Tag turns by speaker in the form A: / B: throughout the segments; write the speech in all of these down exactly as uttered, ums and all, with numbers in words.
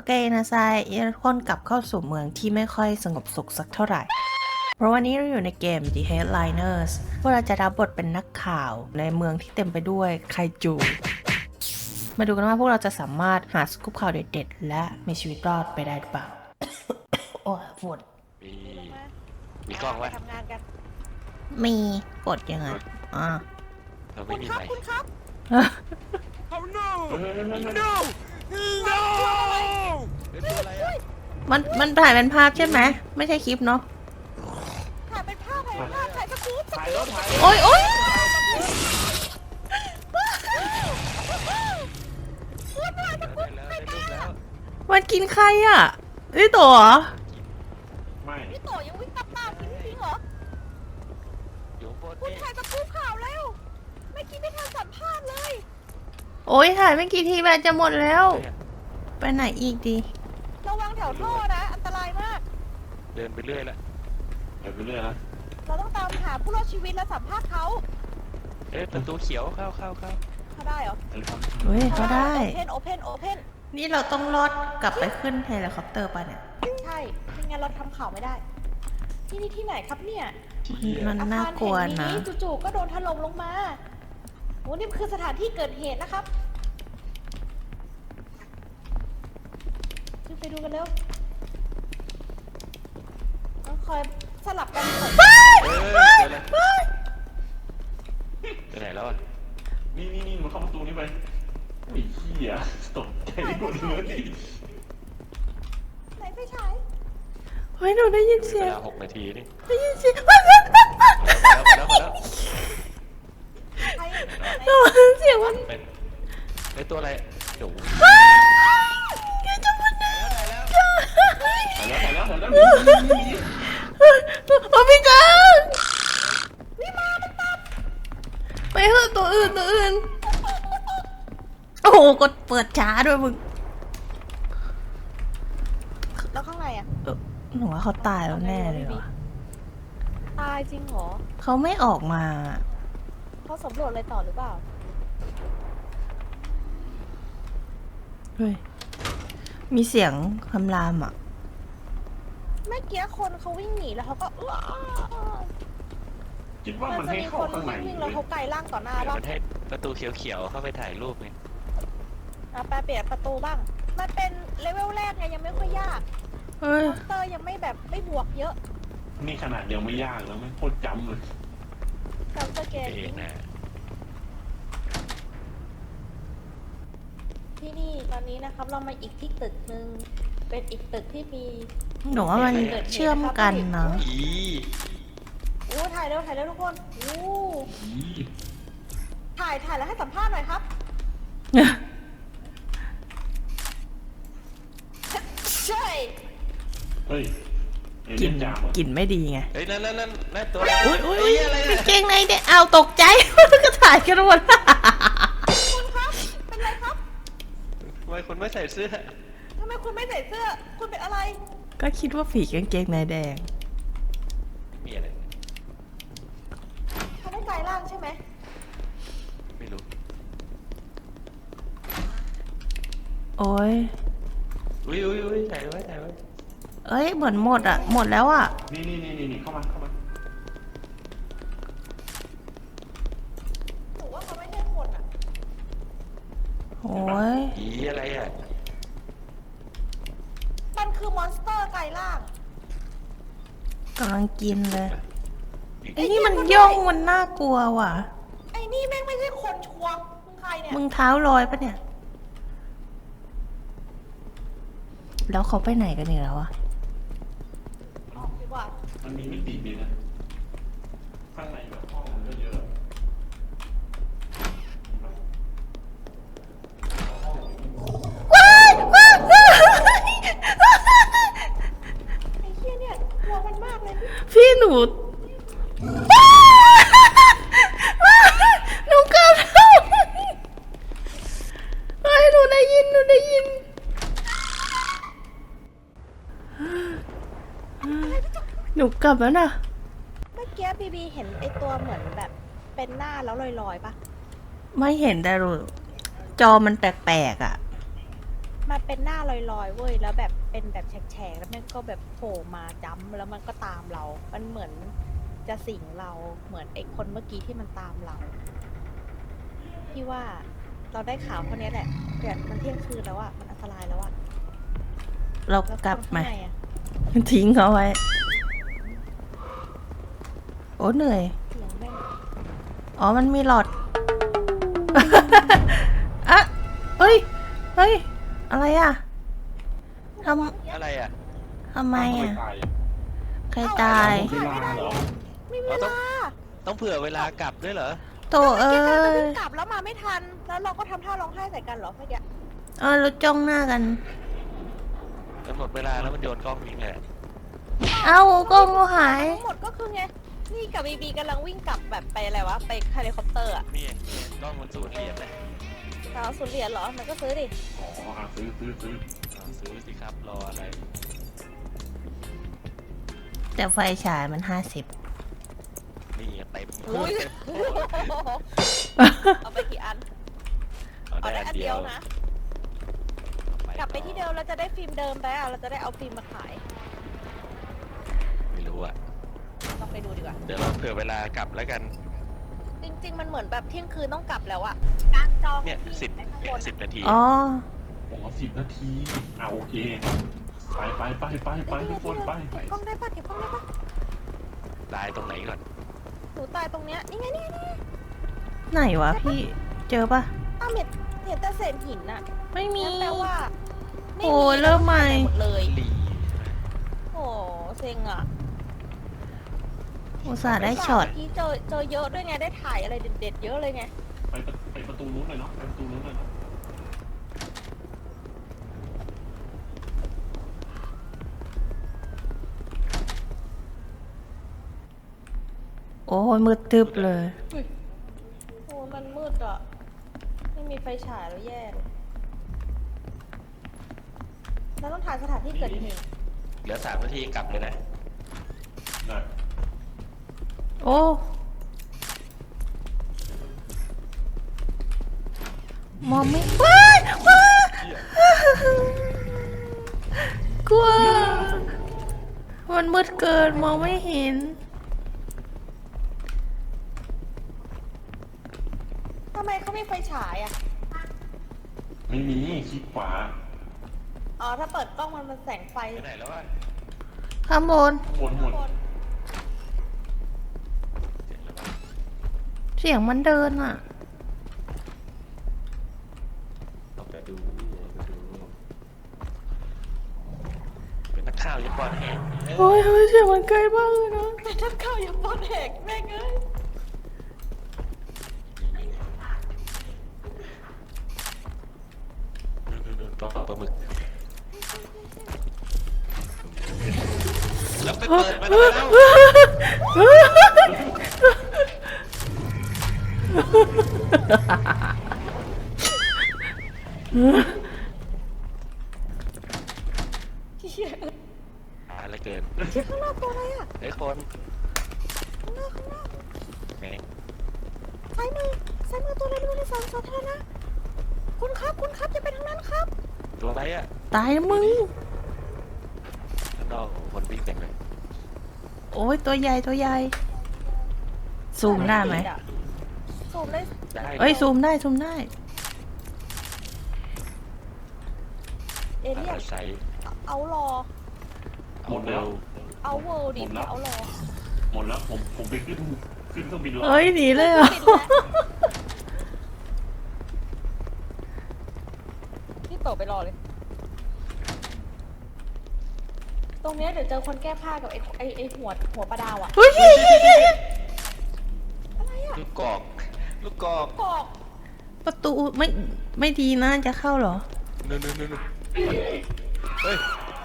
A: เคนะไซคนกลับเข้าสู่เมืองที่ไม่ค่อยสงบสุขสักเท่าไหร่ เพราะวันนี้เราอยู่ในเกม The Headliners พวกเราจะรับบทเป็นนักข่าวในเมืองที่เต็มไปด้วยไคจู มาดูกันว่าพวกเราจะสามารถหาสกู๊ปข่าวเด็ดๆและมีชีวิตรอดไปได้หรือเปล่า โอ้ยฝน
B: มีมีกล้องวะ
C: ทำงานกัน
A: มีกดยังไงอ่า
B: เรา
C: คุ
B: ไม่
C: ณ
B: มี
C: ครับ
B: ไมค์
C: คุณครับ
B: Oh no no no เป็นตัวอะไรอ่ะ
A: มันมันถ่ายเป็นภาพใช่ไหมไม่ใช่คลิปเนาะ
C: ถ่ายเป็นภาพถ่ายเป็นภาพถ่ายสกู๊ปส
D: ถ่าย
C: กู๊
D: ร
C: ป
D: ถถ่าย
A: โอ้ยโอ้ย
C: คุณถ่ายสกู๊ป
B: ได้แล้วได้รูปแล้ว
A: มันกินใครอ่ะนี่ตัวเหรอ
D: ไม่
C: พี่โตยังวิ่งตามตามจริงๆเหรอ
B: อยู่บน
C: คุณ
B: นี่
C: ถ่ายสกู๊ปข่าวแล้วไม่คิดไม่ทันสัมภาษณ์เลย
A: โอ้ยถ่ายไม่กี่ทีแบตจะหมดแล้ว ไปไหนอีกดี
C: ระวังแถวท่อนะอันตรายมาก
B: เดินไปเรื่อยละ
D: เดี๋ยวไปเรื่อยนะ
C: เราต้องตามหาผู้รอดชีวิตและสัมภาษณ์เขา
B: เอ๊ะประตูเขียวเข้าเข้าเข้า
C: เขาได้เหรอ
D: เดี๋ยวครับ
A: เฮ้ยเขาได้
C: โอเพนโอเพนโอเพน
A: นี่เราต้องรอดกลับไปขึ้นเฮลิคอปเตอร์ป่ะเนี่ย
C: ใช่ไม่งั้นเราทำข่าวไม่ได้ ที่นี่ที่ไหนครับเนี่ย
A: มันน่ากลัว
C: อาคารแห่
A: นะ
C: งนี้จู่ๆก็โดนถล่มลงมาโอ้นี่คือสถานที่เกิดเหตุนะครับขึ้นไปดูกันเร็วต้องคอยสลับกันเปิด
B: เออเจอแล้วไปไหนแล้วอ่ะ
D: นี่นี่นี่มันเข้าประตูนี้ไปไอ้เหี้ยตกใจหมดเลย
C: ไหนไฟฉาย
A: เฮ้ยหนูได้ยิน
B: มี
A: เสี
B: เวย
A: ง
B: ลาหกนาทีนี่
A: ได้ยินเสียง
B: มาแล้วมาแล้วมาแล้ว
C: ใครไหน
A: หนูเสียงมัน
B: เป็นไอตัวอะไรเดี๋ยว
A: แกจะมันได้
D: ถ่ายแล้วถ่ายแล้วถ่ายแล้วนี่นี่นี่
A: โอ้พี่จังไปเถอะตัวอื่นตัวอื่น โอ้โหกดเปิดช้าด้วยมึง
C: แล้วข้างในอ่ะ
A: เออหนูว่าเขาตายแล้วแน่เลยว่ะ
C: ตายจริงเหรอ
A: เขาไม่ออกมา
C: เขาสำรวจอะไรต่อหรือเปล่า
A: เฮ้ย มีเสียงคำรามอ่ะ
C: เมื่อกี้คนเขาวิ่งหนีแล้วเขาก็เออ
D: คิดว่า
C: มั
D: มัน น
C: จะ
D: ให้
C: มี
D: เข้า
C: คน
D: ข้างใน
C: วิ่ง
D: เล
C: แล้ว
D: ย
C: เขาไกลล่างต่อหน้า
B: เดี๋ยว
C: บ้าง
B: มันให้ประตูเขียวๆเข้าไปถ่ายรูปไง
C: อ่ะแปลเปลี่ยนประตูบ้าง มันเป็นเลเวลแรกไงยังไม่ค่อยยาก
A: เฮ้ย
C: มอนสเตอร์ยังไม่แบบไม่บวกเยอะ
D: นี่ขนาดยังไม่ยากแล้วไม่โคตรจำเลย
C: จำสเกต
B: เองนะ
C: ที่นี่ตอนนี้นะครับ เรามาอีกที่ตึกหนึ่งเป็นอีกตึกที่มี
A: หนูว่ามันเชื่อมกันนะ
B: อี
C: โอ้ถ่ายเร็วถ่ายเร็วทุกคนโอ้
D: อี
C: ถ่ายถ่ายแล้วให้สัมภาษณ์หน่อยครับ ใช่
D: เฮ้ยเอ
A: ก
D: เลี่
A: ลิ่
D: ย
A: น
D: นจามเหรอก
A: ลิ่นไม่ดีไง
B: เฮ้ยนั่นนั่นนั่นนั่นตัว
A: อุ้ยอุ้ย
B: เฮ้
A: อุ้ย
B: อะไร
A: กา
B: เนี่
A: งเก
B: ย
A: งในเด็กเอาตกใจ ก็ถ่ายกันหมด
C: คุณครับ เป็นไรครับ
B: ทำไมคุณไม่ใส่เสื้อ
C: ทำไมคุณไม่ใส่เสื้อ คุณเป็นอะไร
A: ก็คิดว่าผีกางเกงในแดง
B: มีอะไร
C: เขาไม่กลายร่างใช่ไหม
B: ไม่รู้
A: โอ้ย
B: อุ้ยอุ้ยอุ้ยถ่ายไว้ถ่ายไว้
A: เอ้ยเหมือนหมดอ่ะ หมดแล้วอ่ะ
D: นี่นี่นี่นี่เข้ามาเข้ามา
C: หนูว่าเขาไม่ได้หมดอ่ะ
A: โอ้ย
B: อีอะไรอ่ะ
C: มันคือมอนสเตอร์กลายร่าง
A: กำลังกินเลยไอ้นี่มันย่องมันน่ากลัวว่ะ
C: ไอ้นี่แม่งไม่ใช่คนชัวร์มึงใครเนี่ย
A: มึงเท้าลอยปะเนี่ย แล้วเขาไปไหนกันอีกแล้วอะ
C: ออกดีกว่า
D: มันมีมิติดีนะข้างในแบบห้องมันก็เยอะ
C: ไอ้เหี้ยเนี่ยกลัวมันมากเลย
A: พี่หนู หนูเกือบแล้วเฮ้ยหนูได้ยิน หนูได้ยิน หนูกลับแล้วนะ
C: เมื่อกี้บีบีเห็นไอ้ตัวเหมือนแบบเป็นหน้าแล้วลอยๆปะ
A: ไม่เห็นแต่รู้จอมันแปลกๆอ่ะ
C: มันเป็นหน้าลอยๆเว้ยแล้วแบบเป็นแบบแฉกๆแล้วมันก็แบบโผล่มาจ้ำแล้วมันก็ตามเรา มันเหมือนจะสิงเราเหมือนไอ้คนเมื่อกี้ที่มันตามเราพี่ว่าเราได้ข่าวเท่านี้แหละแต่มันเที่ยงคืนแล้วอะมันอันตรายแล้วอะ
A: เรา
C: แล้ว
A: กลับ
C: คน
A: มา
C: ข้างในอะ
A: ทิ้งเขาไว้ โอ้เหนื่อย
C: เสียงแม่ง
A: อ๋อ มันมีหลอด อะเฮ้ย เฮ้ย อะไรอ่ะท
E: อะไรอ่ะ
A: ำทำไมอ่ะ
D: ตาย
A: ใครตาย
D: เวลาเหรอ
C: ไม่มี
E: เรา
C: เว
E: ต้อง
C: ลา
E: ต้องเผื่อเวลากลับด้วยเหรอ
A: โตเอ้
C: แกกลายเป็น
A: ย
C: วิ่งกลับแล้วมาไม่ทัน แล้วเราก็ทำท่าร้องไห้ใส่กันเหรอเมื่อกี้
A: เออเราจ้องหน้ากัน
E: กำหนดเวลาแล้วมันโยนกล้องทิ้งเลยอะ
A: เอ้ากล้องก็หาย
C: ทั้งหมดก็คือไง นี่กับบีบีกำลังวิ่งกลับแบบไปอะไรวะ ไปเฮลิคอปเตอร์อะ
E: นี่ไงกล้องมันสูญเหรียญเลย
C: เราสุดเหรียญเหรอ มันก็ซื้อดิ
D: อ๋ออ่ะซื้อซื้อซื้อ
E: อ่าซื้อสิครับ รออะไร
A: แต่ไฟฉายมันห้าสิบ
E: นี่ไงเต็ม
C: อุ้ย
E: เต็ม
C: เอาไปกี่อัน
E: เอา
C: เอา
E: ได้
C: ได้
E: อั
C: อั
E: น
C: น
E: เดี
C: เดี
E: ย
C: ยว วนะ กลับไปที่เดิมเราจะได้ฟิล์มเดิมไปอ่ะ เราจะได้เอาฟิล์มมาขาย
E: ไม่รู้อ่ะ
C: ลองไปดูดีกว่า
E: เดี๋ยวเราเผื่อเวลากลับแล้วกัน
C: จริง ๆ มันเหมือนแบบเที่ยงคืนต้องกลับแล้วอะกลางจอง
E: เนี่ย
C: ที่
E: สิบ
C: ไหนข้างบน
E: สิบนาที
A: อ๋อ
D: อ๋อสิบนาทีอ่ะโอเค ไปไปไปไปไปทุกคนไป
C: เก็บกล้องได้ปะเก็บกล้องได้ปะ
E: ตายตรงไหนก่อน
C: หนูตายตรงเนี้ย นี่ไงนี่ไงนี่ไง
A: ไหนวะพี่ เจอปะ
C: อ้าวเห็นเห็นแต่เศษหินอะ
A: ไม่มี
C: งั้นแปลว่าไม่
A: โอ้ยเริ่มใหม่
C: หมดเลย
E: ลี
C: โอ้เซ็งอะ
A: อุตส่าห์ได้ช็อต
C: เมื่กี้เจอเจอเยอะด้วยไง ได้ถ่ายอะไรเด็ดๆเยอะเลยไง
D: ไปประไปประตูนู้นเลยเนาะไปประตูนู้นเลยเนาะ
A: โอ้ยมืดตึบเลย
C: โอ้มันมืดอะไม่มีไฟฉายแล้วแย่เลยเราต้องถ่ายสถานที่เกิดเหตุ
E: เหลือสามนาทีกลับเลยนะ
D: นะ
A: โอ้ มองไม่ว้ายว้ายกลัว มันมืดเกินมองไม่เห็น
C: ทำไมเขาไม่ไฟฉายอะ
D: ไม่มีคลิกขวา
C: อ๋อ ถ้าเปิดกล้องมันมันแสงไฟ
E: ไปไหนแล้ววะ
A: ข้างบน
D: หมดหมด
C: คน
E: เสร็จแล้ววะ
A: เสียงมันเดินอ่ะ
E: เอาไปดูเอาไปดู เป็นนักข่าวยังปลอดแหง
A: โอ้ยทำไมเสียงมันไกลมากเลยนะ
C: แต่ถ้าข่าวอย่าปอนแหกแม่งเอ้ย
E: ดูๆๆต้องปลาหมึก แล้วไปเปิดมาแล้ว
C: เหี้ย
E: อะไรเกิน
C: ข้างนอกตัวอะไรอะ
E: ไอ้คน
C: ข้างนอกข้างนอก
E: ไง
C: ซ้ายมือซ้ายมือตัวอะไรไม่รู้ในสวนสาธารณะคุณครับคุณครับอย่าไปทางนั้นครับ
E: ตัวอะไรอ่ะ
A: ตายแล้วมึง
E: ข้างนอกคนวิ่งเต็มเลย
A: โอ้ยตัวใหญ่ตัวใหญ่ ซูมได้ไหม
C: ซูมได้
E: ได้
A: เอ้ย ซูมได้ ซูมได้
C: เอเลี่ยน
E: ใส่
C: เอารอ
D: หมดแล้ว
C: เอาเวิลด์ดิ
D: หมดแล้ว
C: เอารอ
D: หมดแล้วผมผมไปขึ้นขึ้นเครื่องบินแล้ว
A: เอ้ย หนีเลยเหรอ่ะ
C: ปิดแล้วพี่โตไปรอเลย ตรงเนี้ยเดี๋ยวเจอคนแก้ผ้ากับไอ้ไอ้ไอ้หัวหัวปลาดาวอะ
A: เฮ้ยเฮ้ยเฮ้ยเฮ้ย
C: อะไรอะ
E: ลูกกอก ลูกกอก
C: กอก
A: ประตูไม่ไม่ดีนะจะเข้าเหรอ
E: นู่นนู่นนู่นเฮ้ย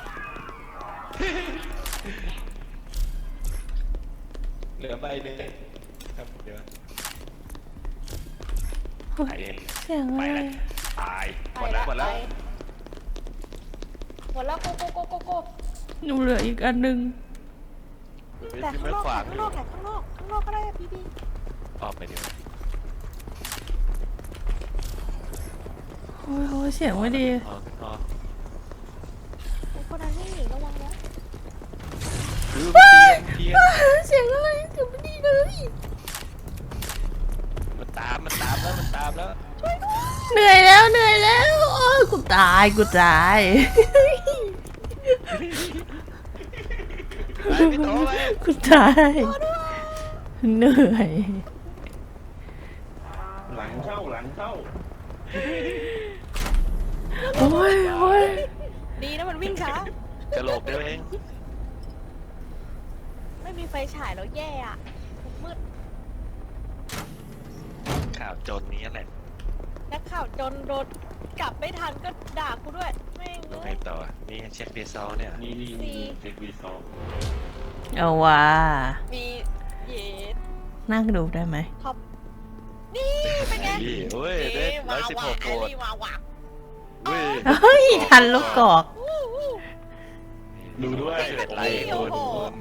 E: เหลือใบหนึ่งครับเดี๋ยวไปเอง
A: เสียงอะ
E: ไป
A: ไร
E: แล้วตายห
C: ไป
E: มดแล้วหมดแล้ว
C: ไปหมดแล้วโกโกโกโกโก
A: หนูเหลืออีกอันหนึง
C: แต่
E: ที่
C: ข้าง
E: ไม่
C: นอก
E: ขวาง
C: ข้างนอกไหนข้างนอกข้างนอกก็ได้อะพี่บี
E: ออกไปเดี๋ยว
A: โอ้ยโอ้ยเสียงไม่ดี
E: ออกออกดูมันเตียนเตียน
A: เสียงอะไรเสียงไม่ดีเลย
E: มันตามมันตามแล้วมันตามแล้ว
A: เหนื่อยแล้วเหนื่อยแล้วโอ้ยกูตายกูตาย
E: ไปพี่โตไป
A: กูตายเหนื่อย
D: หลังเข้าหลังเข้า
A: โอ้ยโอ้ย
C: ดีนะมันวิ่งช้าก
E: ระโหลกเดียวเอง
C: ไม่มีไฟฉายแล้วแย่อะมืด
E: ข่าวจนนี้แหละ
C: นักข่าวจนโดนกลับไม่ทันก็ด่ากูด้วยแม่ง
E: ยังไง
C: เลย
E: ต่อนี่เช็คดีซอลเนี่ย
D: นี่นี่นี่เทควีซอง
A: เอาว่ะ
C: มีเย็ด
A: นั่งดูได้ไหม
C: ท็อปนี่เป็นไง
E: นี่โอ้ยได้ร้อยสิบหกโหวต
C: นี่วาวะ
E: เว้ย
A: เฮ้ยทันลูกกอก
C: วู้วู้
D: ดูด้วย
E: สิบเอ็ดไลค์
C: โอ้
E: คุณ
C: โห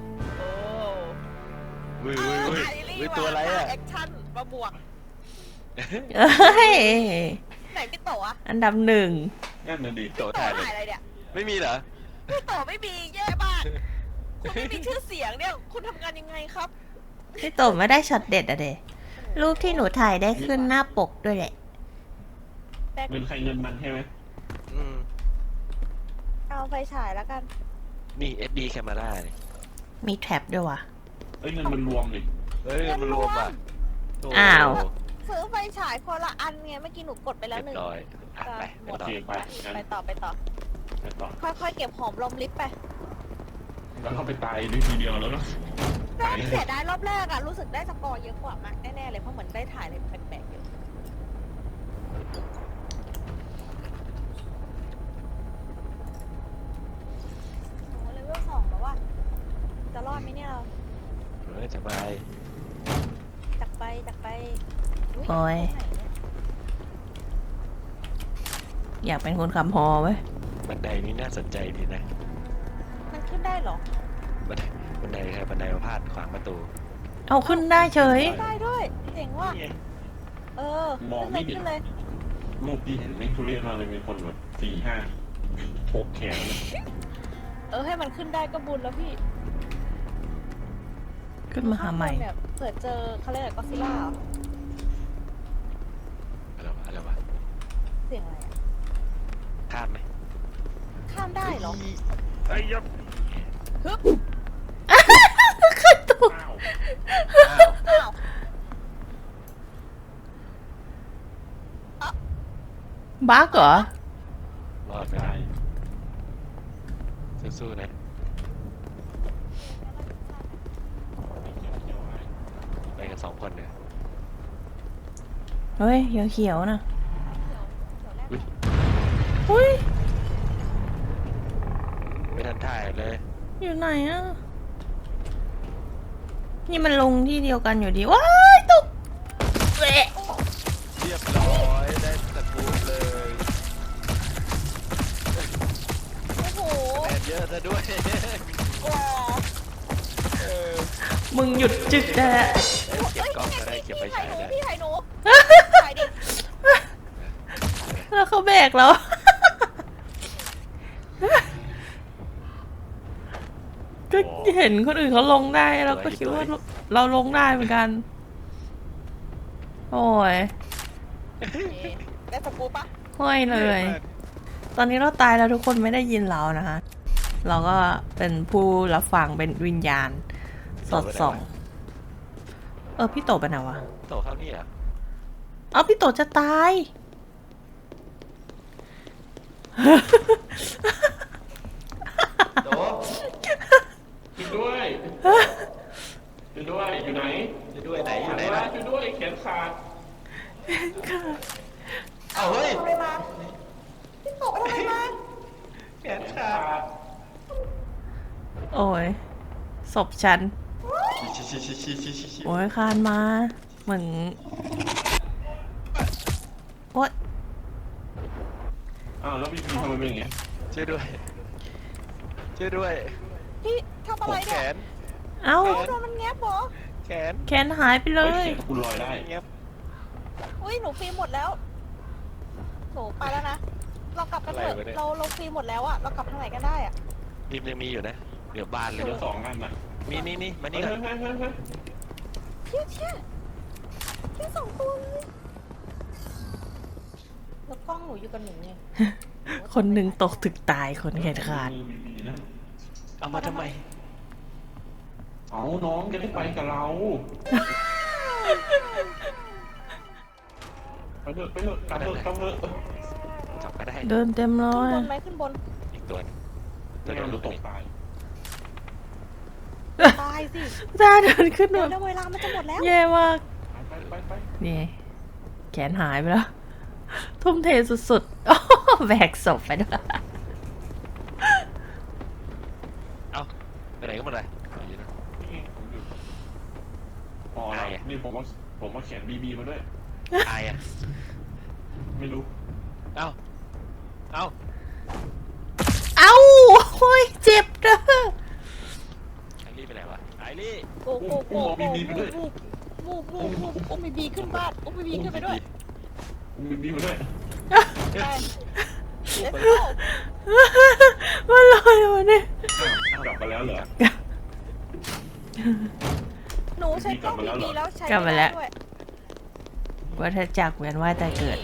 E: เว้ยเว้ยเว้ยเว้ยตัวอะไรอ่ะ
C: แอคชั่นมาบวก
A: เอ้ย
C: ไหนพี่โตอะ
A: อันดับหนึ่ง
D: นั่นน่ะดิ
E: โต
C: โต
E: ถ่ายเล
C: ถ่าย
E: ย
C: อะไรเนี่ย
E: ไม่มีเหรอ
C: พี่โตไม่มีแย่มากคุณไม่มีชื่อเสียงเนี่ยคุณทำงานยังไงครับ
A: พี่โตไม่ได้ช็อตเด็ดอะเดรูปที่หนูถ่ายได้ขึ้นหน้าปกด้วยแหละ
C: แต่
D: เงินใครเงินมันใช่ไหม
E: อืม
C: เอาไฟฉายแล้วกัน
E: นี่ เอส ดี camera นี่
A: มีแท็บด้วยว่ะ
D: เอ้ยเงินมันรวมดิ
E: เฮ้ยมันรวมอ่ะโ
A: อ้าว
C: ซื้อไฟฉายคนละอันไงเมื่อกี้หนูกดไปแล้ว
E: เรีย
C: หนึ่ง
E: บร้อยอ่ะไป
C: หม
E: ไป
C: ด
E: ต่อ
D: โอเคไปงั้น
C: ไปต่อไปต่อ
D: ไปต่อ
C: ค่อยๆเก็บหอมรอมริบไป
D: แล้วเราไปตายด้วยทีเดียวแล้วเนาะ
C: แต่เสียดายรอบแรกอะรู้สึกได้สกอร์เยอะกว่ามากแน่ๆเลยเพราะเหมือนได้ถ่ายอะไรแปลกๆเยอะโอ้เลเวลสองแล้วว่ะจะรอดไหมเนี่ยเรา
E: เฮ้ยสบาย
C: จักไปจักไป
A: โอ้ย
C: ตรงไหนเนี่ย
A: อยากเป็นคนขับฮอไว้ย
E: บันไดนี่น่าสนใจดีนะ
C: มันขึ้นได้เหรอ
E: บันไดบันไดใครบันไดมาพาดขวางประตู
A: เอาขึ้นได้เฉย
C: ได้ด้วยเจ๋งว่ะ
E: นี่ไง
C: เออ
D: มองไม่เห็น
C: ขึ้นเลย
D: รูปที่เห็นไม่ทุเรศมากเลยมีคนแบบสี่ห้าหกแขนเลย
C: เออให้มันขึ้นได้ก็บุญแล้วพี่
A: ขึ้นมาหาใหม่
C: ข้งบนเนี่ยเผื่อเจอเขาเรียกอะไรก็ซิล่า
E: อะไรวะอะไรวะ
C: เสียงอะไรอะ
E: ข้ามไหม
C: ข้ามได้เหรอ
E: ไอ้ยับ
C: ฮึบ
A: ขึ้นตก
D: อ้าว
E: อ้าว
C: อ้าว
A: บั๊กเหรอ
E: รอดไม่
D: ได้
E: ได้สู้ๆนะไปกันสองคนเนี่ย
A: เฮ้ยเขียวๆนะ
E: อุ๊ย
A: อุ้ย
E: ไม่ทันถ่ายเลย
A: อยู่ไหนอ่ะ นี่มันลงที่เดียวกันอยู่ดี ว้ายตกเละ
E: เรียบร้อยได้ตะกูลเลย
C: โอ้โห
E: แมนเยอะซะด้วย
C: ว้า
E: เออ
A: มึงหยุดจึกได้แล้ว
E: เก็บกล้องก็ได้เก็บไป
C: พี่ถ่า
E: ใช้
C: ยหนู
E: ได้
C: พี่ถ่ายหนูถ่ายดิ
A: แล้วเขาแบกเรา ก็เห็นคนอื่นเขาลงได้เราก็คิดว่าเราลงได้เหมือนกัน โอ้ย
C: ได้สกูปปะ
A: ห้อยเลย ตอนนี้เราตายแล้วทุกคนไม่ได้ยินเรานะคะ เราก็เป็นผู้รับฟังเป็นวิญญาณ สอดส่อง เออพี่โตไปไหนวะ
E: โตเข้านี่เหรอ่ะ
A: เอาพี่โตจะตาย
E: โต
D: ช่วยด้วยช่วยด้วยอยู่ไหน
E: จะด้วยไหนอยู่ไหน
D: วะ
E: นะ
D: ช่วยด้วยแขนขาด
E: เอาเฮ้ย
C: ทำอะไรมาพี่โตไปทำอะไรมา
E: แขนขาด
A: โอ้ยศพฉัน
E: ชิชิชิชิชิชิชิ
A: โอ้ยคานมา เหมือนโอ๊ย
D: อ้าวแล้วพี่พีทำไมเป็นอย่างเงี้ย
E: ช่วยด้วย ช่วยด้วย
C: พี่ทำอะไร
E: แข
C: เนี่ย
E: น
A: เอ้า
C: โดนมันแงบเหรอ
E: แขน
A: แขนหายไปเล
D: เฮ้ย
A: ย
D: เขียนคุณลอยได้
E: เงียบ
C: อุ้ยหนูฟรีหมดแล้วหนูไปแล้วนะเรากลับกันเถอะเราเราฟรีหมดแล้วอะเรากลับทางไหนกันได้อะ
E: ริมยังมีอยู่นะเดี๋ยวบานเลย
D: เหลื
E: เดี๋
D: อ
E: ยว
D: สองอันน่ะ
E: มีมีมีมา
D: เฮ้
E: นี่
D: ย
E: ก่อน
D: เฮ้ยเฮ้ยเฮ้ย
C: เชี่ยเชี่ยแค่สองตัวเลยแล้วกล้องหนูอยู่กับหนูไง
A: คนหนึ่งตกถึกตายคนแขนขาด
D: มือมีๆนะ
E: เอามาทำไม
D: เอาน้องจะได้ไปกับเราไปเถอะไปเถอะกลับเถอะกลับเถอะ
E: จับก็ได้
A: เดินเต็มเล
C: ขึ้น
A: ย
C: บนไหมขึ้นบน
E: อีกตัวหนึงตั
D: ไม่
E: วเดียว
D: งั้น
E: ลู
D: เรา
E: ก
D: ต
E: ต
D: ก
E: ก
D: ตาย
C: ตายสิ
A: ตาเดินขึ้น
C: เดี๋
A: มา
C: ยวแล้วเวลามันจะหมดแล้ว
A: แย่มาก
D: ไปไปไป
A: นี่แขนหายไปแล้ว ทุ่มเทสุดๆ อ้อแบกศพไปด้วย
E: เอ้าไปไหนก็หมดเลยเอาอยู่นะ
D: นี่ผมอยู่พอแล้วนี่ผมว่าผมว่าแขนบีบีมาด้วย
E: อายอ่ะ
D: ไม่รู้
E: เอ้าเอ้า
A: เอ้าโอ้ยเจ็บเด้อ
E: ไอรี่ไปไหนวะไอรี่
C: โก้โก้โก้โก้มูฟมูฟมูฟมูฟมูฟอุ้มบีบีขึ้นบ้านอุ้มบีบีขึ้นไปด้วย
D: บีบีมาด้วย
C: ไป let's
A: มันลอยมาเนี่ย
D: กลับมาแล้วเหรอ
C: หนูใช้กล้องบีบีแล้วใช้
A: กลับมาแล้ว
C: ด้วย
A: วัฏจักรเวียนว่ายตายเกิด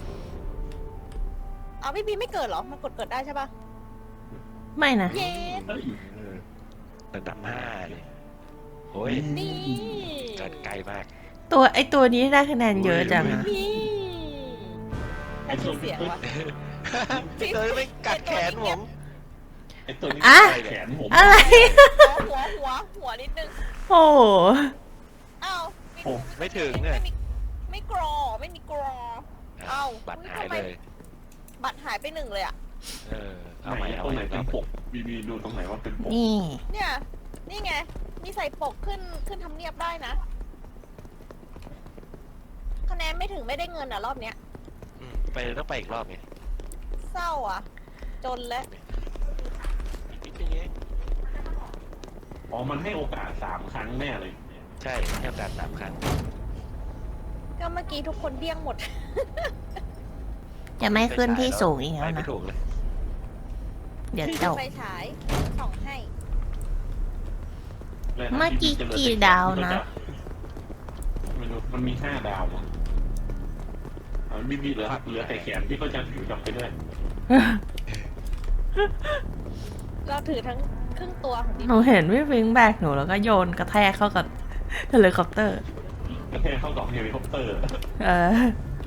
C: เอาบีบีไม่เกิดเหรอ มันกดเกิดได้ใช่ปะ
A: ไม่นะ
C: เย้
D: เฮ้ย
E: เออระดับห้าเลยโอ้ย
C: นี่
E: เกินไกลมาก
A: ตัวไอตัวนี้ได้คะแนนเยอะจังอะ
C: นี่ใครชื่อเสียงวะ
E: พี่เตยไม่กัดแขนผม
D: ไอตัวนี้
A: อะ
D: แขนผม
A: อะไร
C: หัวหัวหัวนิดนึง
A: โอ้โห
C: อ้าว
E: ไม่ถึง
C: ไม่
E: เนี่ย
C: มีไม่กรอไม่มีกรอ เอ้า
E: บัตร
C: อุ๊ย
E: หาย
C: ทำไม
E: เลย
C: บัตรหายไปหนึ่งเลยอ่ะ
E: เออเอา
D: ไห
E: ใหม่
D: น
E: เอา
D: ตรง
E: ให
D: ไหน
E: ม่
D: เป็
E: เอา
D: น
E: ใหม่
D: ปกบีบีดูตรงไหนว่าเป็นปก
A: นี่
C: เนี่ย นี่ไง มีใส่ปกขึ้นขึ้นทำเนียบได้นะ คะแนนไม่ถึงไม่ได้เงินอ่ะรอบเนี้ย
E: อืมไปต้องไปอีกรอบไง
C: เศร้าอ่ะ จนแล้ว
E: อีกนิดนึงเอง
D: อ๋อมันให้โอกาสสามครั้งแน่เลย
E: ใช่ให้โอกาสสามครั้ง
C: ก็เมื่อกี้ทุกคนเดี้ยงหมด
A: จะไม่ขึ้นที่สูงอีก
E: ไป
A: แล้ว
E: ไม่
A: นะ
E: ถูกเลย
A: เดี๋ยวตก
C: ไฟฉายส่องให้
A: เมื่อกี้กี่ดาวนะ
D: ไม่รู้มันมีห้าดาวมั้งอ๋อบีบีเหลือเหลือแต่แขนที่ก็จะถือกลับไปด้วย
C: เราถือทั้งครึ่งตัวของดิ
A: หนูเห็นพี่ฟิงแบกหนูแล้วก็โยนกระแทกเข้ากับเฮลิคอปเตอร์
D: กระแทกเข้ากับเฮลิคอปเตอร์
A: เออ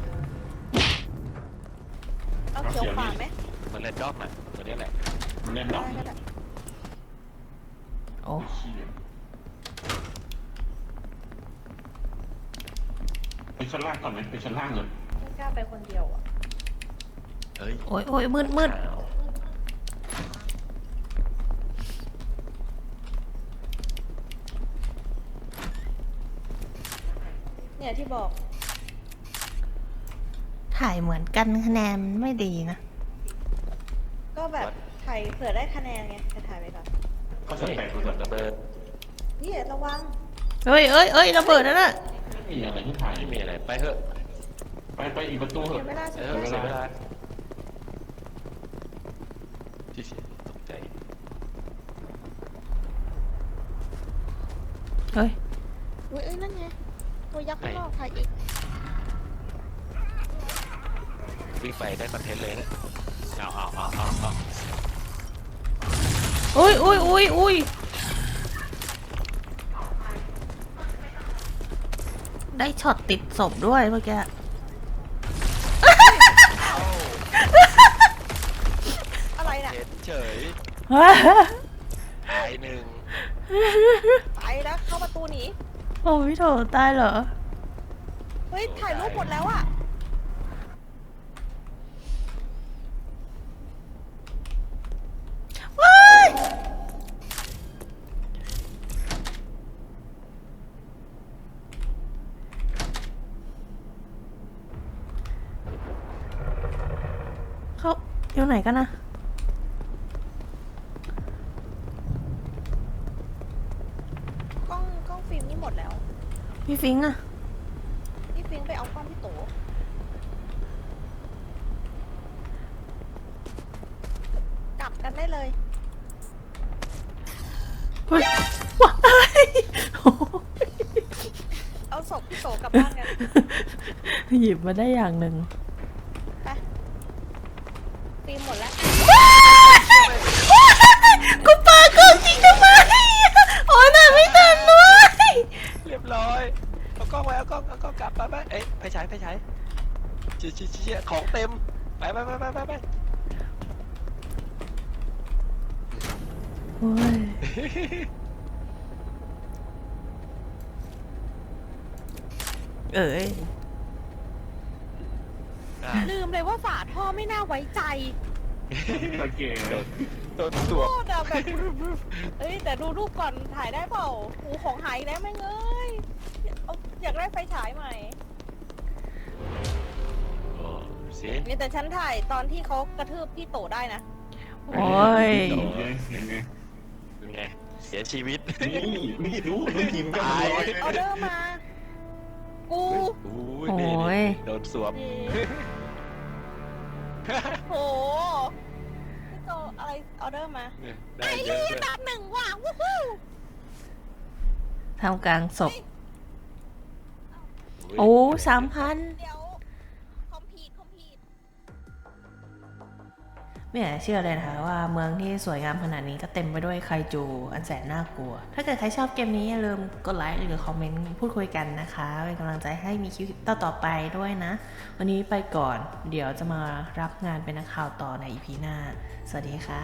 C: เอาเขียวขวาไหม
E: มันเล่นดอกน่ะตัวนี้แหละ
D: มันแน่นดอก
C: ได้ได้
A: โอ้
D: ไปชั้นล่างก่อนไหมไปชั้นล่างเลย
C: ไม่กล้าไปคนเดียวอ่ะ
E: เฮ้ย
A: โอ้ยโอ้ยมืดมืด
E: อ้าว
C: เนี่ยที่บอก
A: ถ่ายเหมือนกันคะแนนไม่ดีนะ
C: ก็แบบถ่ายเผื่อได้คะแนนไงจะถ่ายไปก่อน
D: ก็จะ
E: เฮ้ย
D: แตกเลย
E: ระเบิด
C: นี่ระวัง
A: เฮ้ยเอ้ยเอ้ยระเบิดนั่นน่ะ
D: ไม่มีอะไรที่ถ่าย
E: ไม่มีอะไรไปเถอะ
D: ไปไปอีกประตูเถ
C: เสีย
D: อะ
C: เวลาเสี
E: เอย อ
C: เว
E: เสียเว
C: ลา
E: ลาที่เสียตกใจ
A: เฮ้ย
C: อุ้ยเอ้ยนั่นไงตัวยักษ์ข้างนอกถ่ายอีก
E: วิ่งไปได้คอนเทนต์เลยนะเอาเอาเอาเอาเอา
A: อุ้ยอุ้ยอุ้ยอุ้ยได้ช็อตติดศพด้วยเมื่อกี้
C: อะไรน่ะ
E: เห็นเฉยตายหนึ่ง
C: ไปแล้วเข้าประตูหนี
A: โอ้ยโถตายเหรอ
C: เฮ้ยถ่ายรูปหมดแล้วอ่ะ
A: ว้ายเขาอยู่ไหนกันนะ
C: กล้องกล้องฟิล์มนี่หมดแล้ว
A: พี่ฟิงอะ
C: พี่ฟิล์มไปเอากล้องพี่โตกลับกันได้เลย
A: เฮ้ยว้ายโอ้ย
C: เอาศพพี่โตกลับบ้านกัน
A: หยิบมาได้อย่างหนึ่ง
C: ไปตีหมดแล้ว
A: กูปาเกินจริงทำไมโอ้ยน่าไม่ทันด้วย
E: เรียบร้อยเอากล้องไว้เอากล้องเอากล้องกลับไปไปเอ้ยไปฉายไปฉายเชี่ยเชี่ยเชี่ยของเต็มไปไปไปไปไปไป
A: โอ้ยเอ้ย
E: อ่ะ
C: ลืมเลยว่าฝาท่อไม่น่าไว้ใจ
D: โอเค
E: โดนสวม
C: โคตรอะแบบ เอ้ยแต่ดูรูปก่อนถ่ายได้เปล่าหูของหายอีกแล้วแม่งเอ้ยเอาอยากได้ไฟฉายใหม่
E: โอ้เสีย
C: นี่แต่ฉันถ่ายตอนที่เขากระทืบพี่โตได้นะ
A: โอ้ย
D: ยังไง
E: เป็นไงเสียชีวิต
D: นี่ไม่รู้น้องทีมก็
E: ตาย
C: ออเดอร์มา กู
E: โอ้ย
A: โอ้
E: นี่
A: ย
E: โดนสวม
C: โหพี่โตอะไรออเดอร์มา
E: ได้
C: ไอ้
E: เยอะ
C: เหี้
E: ด้วย ย
C: ตามหนึ่งว่ะวู้ฮู้
A: ทำกลางศพ
E: ย
A: โอ้สามพัน
C: เดี๋ยวคอมพีทคอมพีท
A: ไม่อยากจะเชื่อเลยนะคะว่าเมืองที่สวยงามขนาดนี้ก็เต็มไปด้วยไคจูอันแสนน่ากลัว ถ้าเกิดใครชอบเกมนี้อย่าลืมกดไลค์หรือคอมเมนต์พูดคุยกันนะคะเป็นกำลังใจให้มีคลิปต่อๆไปด้วยนะ วันนี้ไปก่อนเดี๋ยวจะมารับงานเป็นนักข่าวต่อใน อี พี หน้า สวัสดีค่ะ